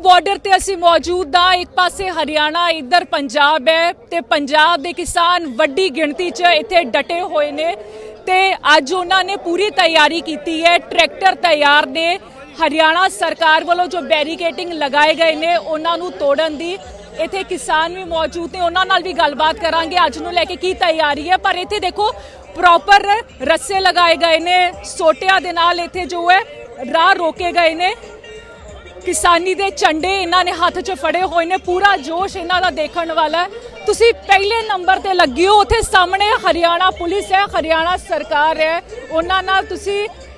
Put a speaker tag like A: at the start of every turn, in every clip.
A: Border ਤੇ ਅਸੀਂ ਮੌਜੂਦ ਹਾਂ। ਇੱਕ ਪਾਸੇ ਹਰਿਆਣਾ, ਇੱਧਰ ਪੰਜਾਬ ਹੈ ਤੇ ਪੰਜਾਬ ਦੇ ਕਿਸਾਨ ਵੱਡੀ ਗਿਣਤੀ 'ਚ ਇੱਥੇ ਡਟੇ ਹੋਏ ਨੇ ਤੇ ਅੱਜ ਉਹਨਾਂ ਨੇ ਪੂਰੀ ਤਿਆਰੀ ਕੀਤੀ ਹੈ। ਟਰੈਕਟਰ ਤਿਆਰ ਨੇ। ਹਰਿਆਣਾ ਸਰਕਾਰ ਵੱਲੋਂ ਜੋ ਬੈਰੀਕੇਡਿੰਗ ਲਗਾਏ ਗਏ ਨੇ ਉਹਨਾਂ ਨੂੰ ਤੋੜਨ ਦੀ। ਇੱਥੇ ਕਿਸਾਨ ਵੀ ਮੌਜੂਦ ਨੇ, ਉਹਨਾਂ ਨਾਲ ਵੀ ਗੱਲਬਾਤ ਕਰਾਂਗੇ ਅੱਜ ਨੂੰ ਲੈ ਕੇ ਕੀ ਤਿਆਰੀ ਹੈ। ਪਰ ਇੱਥੇ ਦੇਖੋ ਪ੍ਰੋਪਰ ਰੱਸੇ ਲਗਾਏ ਗਏ ਨੇ, ਸੋਟਿਆਂ ਦੇ ਨਾਲ ਇੱਥੇ ਜੋ ਹੈ ਰਾਹ ਰੋਕੇ ਗਏ ਨੇ। किसानी दे झंडे इन्होंने हाथ च फड़े हुए ने। पूरा जोश इन्हों का देखने वाला है। तुसी पहले नंबर ते लगी हो, उत्थे सामने हरियाणा पुलिस है, हरियाणा सरकार है, उन्हां नाल तुसी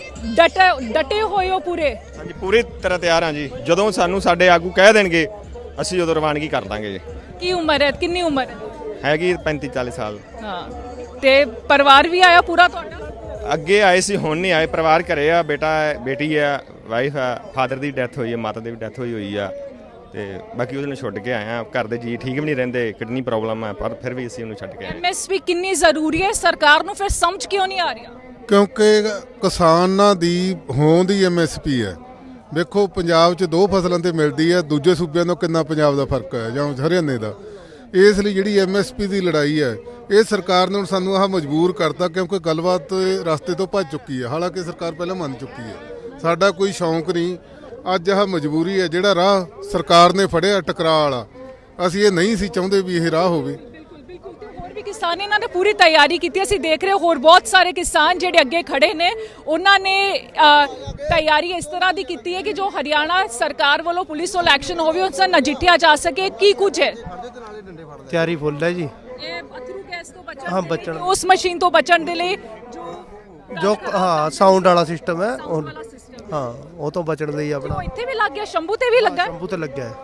A: डटे हुए हो पूरे?
B: हाँ जी, पूरी तरह तैयार हाँ जी। जदों सानू साडे आगू कह देणगे असीं उदों रवानगी कर दांगे जी।
A: की उम्र है, कितनी उम्र
B: हैगी 35-40 साल।
A: हाँ, ते परिवार भी आया पूरा तुहाडा?
B: ਅੱਗੇ ਆਏ ਸੀ, ਹੁਣ ਨਹੀਂ ਆਏ। ਪਰਿਵਾਰ ਘਰੇ ਆ, ਬੇਟਾ ਹੈ, ਬੇਟੀ ਹੈ, ਵਾਈਫ ਹੈ, ਫਾਦਰ ਦੀ ਡੈਥ ਹੋਈ ਹੈ, ਮਾਤਾ ਦੀ ਵੀ ਡੈਥ ਹੋਈ ਆ ਤੇ ਬਾਕੀ ਉਹਨੂੰ ਛੱਡ ਕੇ ਆਏ ਆ। ਘਰ ਦੇ ਜੀ ਠੀਕ ਵੀ ਨਹੀਂ ਰਹਿੰਦੇ, ਕਿਡਨੀ ਪ੍ਰੋਬਲਮ ਹੈ, ਪਰ ਫਿਰ ਵੀ ਅਸੀਂ ਉਹਨੂੰ ਛੱਡ ਕੇ ਆਏ।
A: ਐਮਐਸਪੀ ਕਿੰਨੀ ਜ਼ਰੂਰੀ ਹੈ, ਸਰਕਾਰ ਨੂੰ ਫਿਰ ਸਮਝ ਕਿਉਂ ਨਹੀਂ ਆ ਰਿਹਾ?
C: ਕਿਉਂਕਿ ਕਿਸਾਨਾਂ ਦੀ ਹੋਂਦ ਦੀ ਐਮਐਸਪੀ ਹੈ। ਵੇਖੋ ਪੰਜਾਬ 'ਚ 2 ਫਸਲਾਂ ਤੇ ਮਿਲਦੀ ਹੈ, ਦੂਜੇ ਸੂਬਿਆਂ ਤੋਂ ਕਿੰਨਾ ਪੰਜਾਬ ਦਾ ਫਰਕ ਹੈ ਜਾਂ ਹਰਿਆਣੇ ਦਾ। ਇਸ ਲਈ ਜਿਹੜੀ ਐਮਐਸਪੀ ਦੀ ਲੜਾਈ ਹੈ ਇਹ ਸਰਕਾਰ ਨੇ ਹੁਣ ਸਾਨੂੰ ਆਹ ਮਜਬੂਰ ਕਰਤਾ, ਕਿਉਂਕਿ ਗੱਲਬਾਤ ਰਸਤੇ ਤੋਂ ਭੱਜ ਚੁੱਕੀ ਹੈ। ਹਾਲਾਂਕਿ ਸਰਕਾਰ ਪਹਿਲਾਂ ਮੰਨ ਚੁੱਕੀ ਹੈ। ਸਾਡਾ ਕੋਈ ਸ਼ੌਂਕ ਨਹੀਂ, ਅੱਜ ਆਹ ਮਜਬੂਰੀ ਹੈ। ਜਿਹੜਾ ਰਾਹ ਸਰਕਾਰ ਨੇ ਫੜਿਆ ਟਕਰਾਅ ਵਾਲਾ, ਅਸੀਂ ਇਹ ਨਹੀਂ ਸੀ ਚਾਹੁੰਦੇ ਵੀ ਇਹ ਰਾਹ ਹੋਵੇ।
A: ਹੋਰ ਵੀ ਕਿਸਾਨ ਇਹਨਾਂ ਨੇ ਪੂਰੀ ਤਿਆਰੀ ਕੀਤੀ। ਅਸੀਂ ਦੇਖ ਰਹੇ ਹੋਰ ਬਹੁਤ ਸਾਰੇ ਕਿਸਾਨ ਜਿਹੜੇ ਅੱਗੇ ਖੜੇ ਨੇ, ਉਹਨਾਂ ਨੇ ਤਿਆਰੀ ਇਸ ਤਰ੍ਹਾਂ ਦੀ ਕੀਤੀ ਹੈ ਕਿ ਜੋ ਹਰਿਆਣਾ ਸਰਕਾਰ ਵੱਲੋਂ ਪੁਲਿਸ ਵੱਲੋਂ ਐਕਸ਼ਨ ਹੋਵੇ ਉਸ ਨਾਲ ਨਜਿੱਠਿਆ ਜਾ ਸਕੇ। ਕੀ ਕੁਝ ਹੈ
D: ਤਿਆਰੀ ਫੁੱਲ ਹੈ ਜੀ।
A: ਇਹ ਅਥਰੂ ਗੈਸ ਤੋਂ ਬਚਣ,
D: ਹਾਂ, ਬਚਣ,
A: ਉਸ ਮਸ਼ੀਨ ਤੋਂ ਬਚਣ ਦੇ ਲਈ
D: ਜੋ ਹਾਂ ਸਾਊਂਡ ਵਾਲਾ ਸਿਸਟਮ ਹੈ, ਹਾਂ ਉਹ ਤੋਂ ਬਚਣ ਲਈ ਆਪਣਾ।
A: ਉਹ ਇੱਥੇ ਵੀ ਲੱਗ ਗਿਆ, ਸ਼ੰਭੂ ਤੇ ਵੀ ਲੱਗਾ।
D: ਸ਼ੰਭੂ ਤੇ ਲੱਗਿਆ ਹੈ,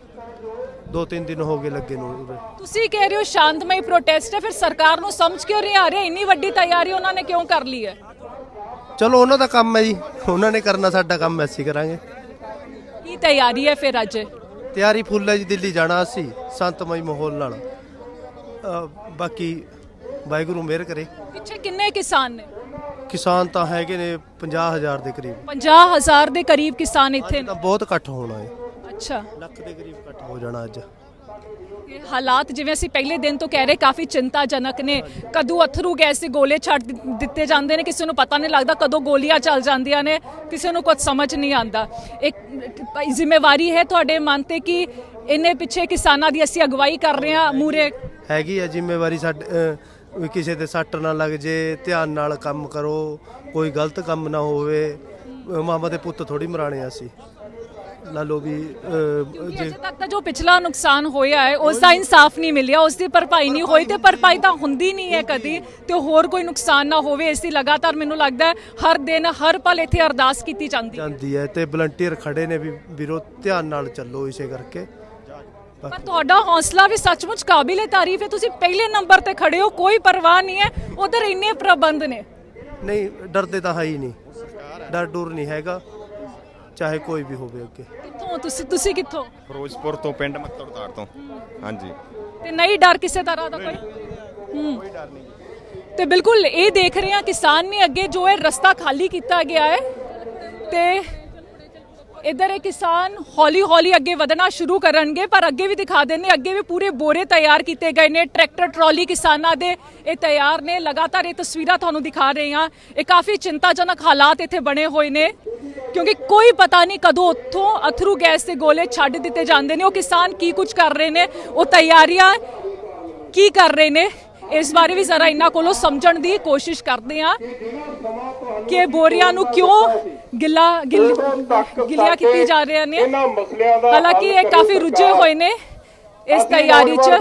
D: 2-3 ਦਿਨ ਹੋ ਗਏ ਲੱਗੇ ਨੂੰ।
A: ਤੁਸੀਂ ਕਹਿ ਰਹੇ ਹੋ ਸ਼ਾਂਤਮਈ ਪ੍ਰੋਟੈਸਟ ਹੈ, ਫਿਰ ਸਰਕਾਰ ਨੂੰ ਸਮਝ ਕਿਉਂ ਨਹੀਂ ਆ ਰਿਹਾ? ਇੰਨੀ ਵੱਡੀ ਤਿਆਰੀ ਉਹਨਾਂ ਨੇ ਕਿਉਂ ਕਰ ਲਈ ਹੈ?
D: ਚਲੋ ਉਹਨਾਂ ਦਾ ਕੰਮ ਹੈ ਜੀ, ਉਹਨਾਂ ਨੇ ਕਰਨਾ, ਸਾਡਾ ਕੰਮ ਅਸੀਂ ਕਰਾਂਗੇ।
A: ਕੀ ਤਿਆਰੀ ਹੈ ਫਿਰ ਅੱਜ?
D: ਤਿਆਰੀ ਫੁੱਲ ਹੈ ਜੀ। ਦਿੱਲੀ ਜਾਣਾ ਅਸੀਂ ਸ਼ਾਂਤਮਈ ਮਾਹੌਲ ਨਾਲ। ਬਾਕੀ ਵਾਹਿਗੁਰੂ ਮਿਹਰ ਕਰੇ।
A: ਪਿੱਛੇ ਕਿੰਨੇ ਕਿਸਾਨ ਨੇ?
D: ਕਿਸਾਨ ਤਾਂ ਹੈਗੇ ਨੇ 50,000 ਦੇ ਕਰੀਬ।
A: 50,000 ਦੇ ਕਰੀਬ ਕਿਸਾਨ ਇੱਥੇ ਨੇ।
D: ਤਾਂ ਬਹੁਤ ਇਕੱਠ ਹੋਣਾ ਹੈ।
A: ਅੱਛਾ,
D: ਲੱਖ ਦੇ ਕਰੀਬ ਇਕੱਠ ਹੋ ਜਾਣਾ ਅੱਜ।
A: ਇਹ ਹਾਲਾਤ ਜਿਵੇਂ ਅਸੀਂ ਪਹਿਲੇ ਦਿਨ ਤੋਂ ਕਹਿ ਰਹੇ ਕਾਫੀ ਚਿੰਤਾਜਨਕ ਨੇ। ਕਦੋਂ ਅਥਰੂ ਗੈਸ ਦੇ ਗੋਲੇ ਛੱਡ ਦਿੱਤੇ ਜਾਂਦੇ ਨੇ, ਕਿਸੇ ਨੂੰ ਪਤਾ ਨਹੀਂ ਲੱਗਦਾ ਕਦੋਂ ਗੋਲੀਆਂ ਚੱਲ ਜਾਂਦੀਆਂ ਨੇ, ਕਿਸੇ ਨੂੰ ਕੁਝ ਸਮਝ ਨਹੀਂ ਆਉਂਦਾ। ਇੱਕ ਜ਼ਿੰਮੇਵਾਰੀ ਹੈ ਤੁਹਾਡੇ ਮਨ ਤੇ ਕਿ ਇੰਨੇ ਪਿੱਛੇ ਕਿਸਾਨਾਂ ਦੀ ਅਸੀਂ ਅਗਵਾਈ ਕਰ ਰਹੇ ਹਾਂ ਮੂਰੇ?
D: ਹੈਗੀ ਆ ਜ਼ਿੰਮੇਵਾਰੀ ਸਾਡੇ। ਕਿਸੇ ਦੇ ਸੱਟ ਨਾ ਲੱਗ ਜੇ, ਧਿਆਨ ਨਾਲ ਕੰਮ ਕਰੋ, ਕੋਈ ਗਲਤ ਕੰਮ ਨਾ ਹੋਵੇ। ਮਾਮਾ ਦੇ ਪੁੱਤ ਥੋੜੀ ਮਰਾਣੇ ਅਸੀਂ ਲਾ ਲੋ ਵੀ।
A: ਅਜੇ ਤੱਕ ਤਾਂ ਜੋ ਪਿਛਲਾ ਨੁਕਸਾਨ ਹੋਇਆ ਹੈ ਉਸ ਦਾ ਇਨਸਾਫ ਨਹੀਂ ਮਿਲਿਆ, ਉਸ ਦੀ ਭਰਪਾਈ ਨਹੀਂ ਹੋਈ ਤੇ ਭਰਪਾਈ ਤਾਂ ਹੁੰਦੀ ਨਹੀਂ ਹੈ ਕਦੀ, ਤੇ ਹੋਰ ਕੋਈ ਨੁਕਸਾਨ ਨਾ ਹੋਵੇ ਇਸ ਦੀ ਲਗਾਤਾਰ ਮੈਨੂੰ ਲੱਗਦਾ ਹੈ ਹਰ ਦਿਨ ਹਰ ਪਲ ਇੱਥੇ ਅਰਦਾਸ ਕੀਤੀ ਜਾਂਦੀ
D: ਹੈ। ਤੇ ਵਲੰਟੀਅਰ ਖੜੇ ਨੇ ਵੀ ਵੀਰੋ ਧਿਆਨ ਨਾਲ ਚੱਲੋ, ਇਸੇ ਕਰਕੇ।
A: ਪਰ ਤੁਹਾਡਾ ਹੌਸਲਾ ਵੀ ਸੱਚਮੁੱਚ ਕਾਬਿਲੇ ਤਾਰੀਫ ਹੈ। ਤੁਸੀਂ ਪਹਿਲੇ ਨੰਬਰ ਤੇ ਖੜੇ ਹੋ, ਕੋਈ ਪਰਵਾਹ ਨਹੀਂ ਹੈ, ਉਧਰ ਇੰਨੇ ਪ੍ਰਬੰਧ ਨੇ।
D: ਨਹੀਂ, ਡਰਦੇ ਤਾਂ ਹੈ ਹੀ ਨਹੀਂ, ਡਰ ਡੁਰ ਨਹੀਂ ਹੈਗਾ, ਚਾਹੇ ਕੋਈ ਵੀ ਹੋਵੇ ਅੱਗੇ।
A: ਕਿੱਥੋਂ ਤੁਸੀਂ ਕਿੱਥੋਂ?
B: ਫਿਰੋਜ਼ਪੁਰ ਤੋਂ, ਪਿੰਡ ਮੱਤੜਤਾੜ ਤੋਂ। ਹਾਂਜੀ,
A: ਤੇ ਨਹੀਂ ਡਰ ਕਿਸੇ ਤਰ੍ਹਾਂ ਦਾ ਕੋਈ?
B: ਕੋਈ ਡਰ ਨਹੀਂ।
A: ਤੇ ਬਿਲਕੁਲ ਇਹ ਦੇਖ ਰਹੇ ਹਾਂ ਕਿਸਾਨ ਨੇ ਅੱਗੇ ਜੋ ਹੈ ਰਸਤਾ ਖਾਲੀ ਕੀਤਾ ਗਿਆ ਹੈ ਤੇ ਇੱਧਰ ਇਹ ਕਿਸਾਨ ਹੌਲੀ ਹੌਲੀ ਅੱਗੇ ਵਧਣਾ ਸ਼ੁਰੂ ਕਰਨਗੇ। ਪਰ ਅੱਗੇ ਵੀ ਦਿਖਾ ਦਿੰਦੇ, ਅੱਗੇ ਵੀ ਪੂਰੇ ਬੋਰੇ ਤਿਆਰ ਕੀਤੇ ਗਏ ਨੇ, ਟਰੈਕਟਰ ਟਰਾਲੀ ਕਿਸਾਨਾਂ ਦੇ ਇਹ ਤਿਆਰ ਨੇ। ਲਗਾਤਾਰ ਇਹ ਤਸਵੀਰਾਂ ਤੁਹਾਨੂੰ ਦਿਖਾ ਰਹੇ ਹਾਂ। ਇਹ ਕਾਫੀ ਚਿੰਤਾਜਨਕ ਹਾਲਾਤ ਇੱਥੇ ਬਣੇ ਹੋਏ ਨੇ ਕਿਉਂਕਿ ਕੋਈ ਪਤਾ ਨਹੀਂ ਕਦੋਂ ਉੱਥੋਂ ਅਥਰੂ ਗੈਸ ਦੇ ਗੋਲੇ ਛੱਡ ਦਿੱਤੇ ਜਾਂਦੇ ਨੇ। ਉਹ ਕਿਸਾਨ ਕੀ ਕੁਝ ਕਰ ਰਹੇ ਨੇ, ਉਹ ਤਿਆਰੀਆਂ ਕੀ ਕਰ ਰਹੇ ਨੇ, ਇਸ ਬਾਰੇ ਵੀ ਜ਼ਰਾ ਇਹਨਾਂ ਕੋਲੋਂ ਸਮਝਣ ਦੀ ਕੋਸ਼ਿਸ਼ ਕਰਦੇ ਹਾਂ ਕਿ ਬੋਰੀਆਂ ਨੂੰ ਕਿਉਂ ਗਿੱਲੀਆਂ ਕੀਤੀ ਜਾ ਰਹੀਆਂ ਨੇ। ਹਾਲਾਂਕਿ ਇਹ ਕਾਫੀ ਰੁੱਝੇ ਹੋਏ ਨੇ ਇਸ ਤਿਆਰੀ 'ਚ।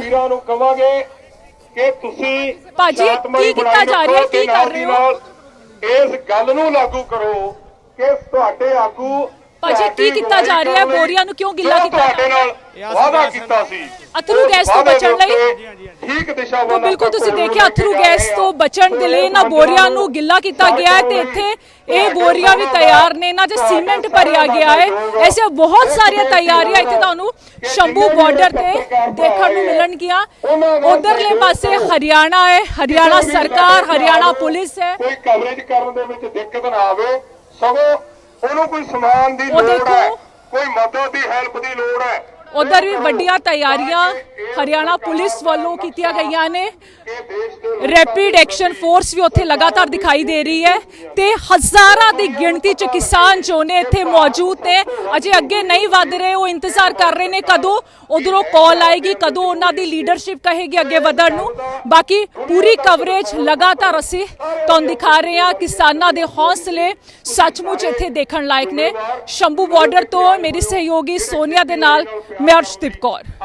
E: ਕਿ ਤੁਸੀਂ
A: ਭਾਜੀ ਕੀ ਕੀਤਾ ਜਾ ਰਿਹਾ, ਕੀ ਕਰ ਰਹੇ ਹੋ?
E: ਇਸ ਗੱਲ ਨੂੰ ਲਾਗੂ ਕਰੋ ਕਿ ਤੁਹਾਡੇ ਆਗੂ
A: ਭਾਜੀ ਕੀ ਕੀਤਾ ਜਾ ਰਿਹਾ ਹੈ? ਬੋਰੀਆਂ ਨੂੰ ਕਿਉਂ ਗਿੱਲਾ ਕੀਤਾ
E: ਤੁਹਾਡੇ ਨਾਲ ਵਾਅਦਾ ਕੀਤਾ ਸੀ
A: ਅਥਰੂ ਗੈਸ ਤੋਂ ਬਚਣ ਲਈ?
E: ਠੀਕ ਦਿਸ਼ਾ
A: ਤਾਂ ਬਿਲਕੁਲ ਤੁਸੀਂ ਦੇਖਿਆ ਅਥਰੂ ਗੈਸ ਤੋਂ ਬਚਣ ਦੇ ਲਈ ਇਹਨਾਂ ਬੋਰੀਆਂ ਨੂੰ ਗਿੱਲਾ ਕੀਤਾ ਗਿਆ ਹੈ ਤੇ ਇੱਥੇ ਇਹ ਬੋਰੀਆਂ ਵੀ ਤਿਆਰ ਨੇ, ਇਹਨਾਂ 'ਚ ਸੀਮੈਂਟ ਭਰਿਆ ਗਿਆ ਹੈ। ਐਸੇ ਬਹੁਤ ਸਾਰੀਆਂ ਤਿਆਰੀਆਂ ਇੱਥੇ ਤੁਹਾਨੂੰ ਸ਼ੰਭੂ ਬਾਰਡਰ ਤੇ ਦੇਖਣ ਨੂੰ ਮਿਲਣਗੀਆਂ। ਉਧਰਲੇ ਪਾਸੇ ਹਰਿਆਣਾ ਹੈ, ਹਰਿਆਣਾ ਸਰਕਾਰ, ਹਰਿਆਣਾ ਪੁਲਿਸ ਹੈ।
E: ਕੋਈ ਕਵਰੇਜ ਕਰਨ ਦੇ ਵਿੱਚ ਦਿੱਕਤ ਨਾ ਆਵੇ, ਸਗੋਂ ਉਹਨੂੰ ਕੋਈ ਸਮਾਨ ਦੀ
A: ਉਹ
E: ਲੋੜ ਹੈ, ਕੋਈ ਮਦਦ ਦੀ ਹੈਲਪ ਦੀ ਲੋੜ ਹੈ,
A: ਉਧਰ ਵੀ ਵੱਡੀਆਂ ਤਿਆਰੀਆਂ ਹਰਿਆਣਾ ਪੁਲਿਸ ਵੱਲੋਂ ਕੀਤੀਆਂ ਗਈਆਂ ਨੇ। ਰੈਪਿਡ ਐਕਸ਼ਨ ਫੋਰਸ ਵੀ ਉੱਥੇ ਲਗਾਤਾਰ ਦਿਖਾਈ ਦੇ ਰਹੀ ਹੈ ਤੇ ਹਜ਼ਾਰਾਂ ਦੀ ਗਿਣਤੀ 'ਚ ਕਿਸਾਨ ਜੋ ਨੇ ਇੱਥੇ ਮੌਜੂਦ ਨੇ। ਅਜੇ ਅੱਗੇ ਨਹੀਂ ਵੱਧ ਰਹੇ, ਉਹ ਇੰਤਜ਼ਾਰ ਕਰ ਰਹੇ ਨੇ ਕਦੋਂ ਉਧਰੋਂ ਕਾਲ ਆਏਗੀ, ਕਦੋਂ ਉਹਨਾਂ ਦੀ ਲੀਡਰਸ਼ਿਪ ਕਹੇਗੀ ਅੱਗੇ ਵਧਣ ਨੂੰ। ਬਾਕੀ ਪੂਰੀ ਕਵਰੇਜ ਲਗਾਤਾਰ ਅਸੀਂ ਤੁਹਾਨੂੰ ਦਿਖਾ ਰਹੇ ਹਾਂ। ਕਿਸਾਨਾਂ ਦੇ ਹੌਸਲੇ ਸੱਚਮੁੱਚ ਇੱਥੇ ਦੇਖਣ ਲਾਇਕ ਨੇ। ਸ਼ੰਭੂ ਬਾਰਡਰ ਤੋਂ ਮੇਰੀ ਸਹਿਯੋਗੀ ਸੋਨੀਆ ਦੇ ਨਾਲ ਮੈਂ ਅਰਸ਼ਦੀਪ ਕੌਰ।